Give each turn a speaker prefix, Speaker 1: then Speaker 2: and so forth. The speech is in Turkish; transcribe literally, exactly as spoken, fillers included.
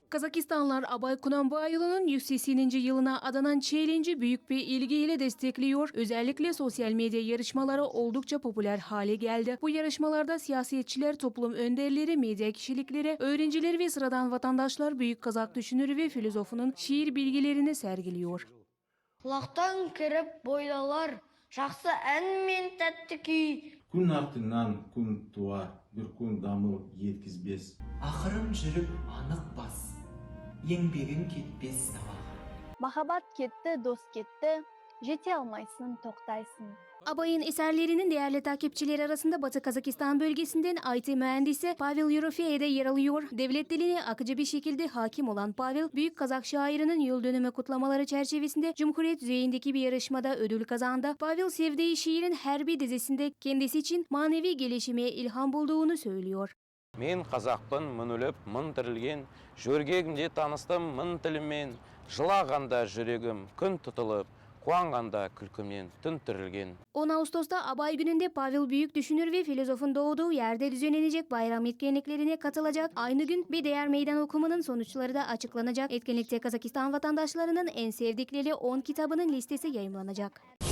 Speaker 1: Kazakistanlar Abay Kunanbayılı'nın yüz sekseninci yılına adanan challenge'i büyük bir ilgiyle destekliyor. Özellikle sosyal medya yarışmaları oldukça popüler hale geldi. Bu yarışmalarda siyasetçiler, toplum önderleri, medya kişilikleri, öğrenciler ve sıradan vatandaşlar büyük Kazak düşünürü ve filozofunun şiir bilgilerini sergiliyor.
Speaker 2: Kulaktan kirip boylalar, şahsı en min tettiki.
Speaker 3: Kun артынан kun туар, bir kun дамыл yetkizbes.
Speaker 4: Ақырын жүріп анық бас, еңбегің кетпес сабаға.
Speaker 5: Mahabat gitti, dost gitti, jete almaysın, toktaysin.
Speaker 1: Abay'ın eserlerinin değerli takipçileri arasında Batı Kazakistan bölgesinden I T mühendisi Pavel Yorofeyev de yer alıyor. Devlet diline akıcı bir şekilde hakim olan Pavel, Büyük Kazak şairinin yıl dönümü kutlamaları çerçevesinde Cumhuriyet düzeyindeki bir yarışmada ödül kazandı. Pavel, sevdiği şiirin her bir dizisinde kendisi için manevi gelişime ilham bulduğunu söylüyor.
Speaker 6: Men Kazakpın, mın ölüp, mın tirilgen, jörgegimde tanыстым mın tilimen, жылағанда жүрегім күн tutulup, kuanganda külkümden tün tirilgen.
Speaker 1: on Ağustos'ta Abay gününde Pavel büyük düşünür ve filozofun doğduğu yerde düzenlenecek bayram etkinliklerine katılacak. Aynı gün bir değer meydan okumanın sonuçları da açıklanacak. Etkinlikte Kazakistan vatandaşlarının en sevdikleri on kitabının listesi yayımlanacak.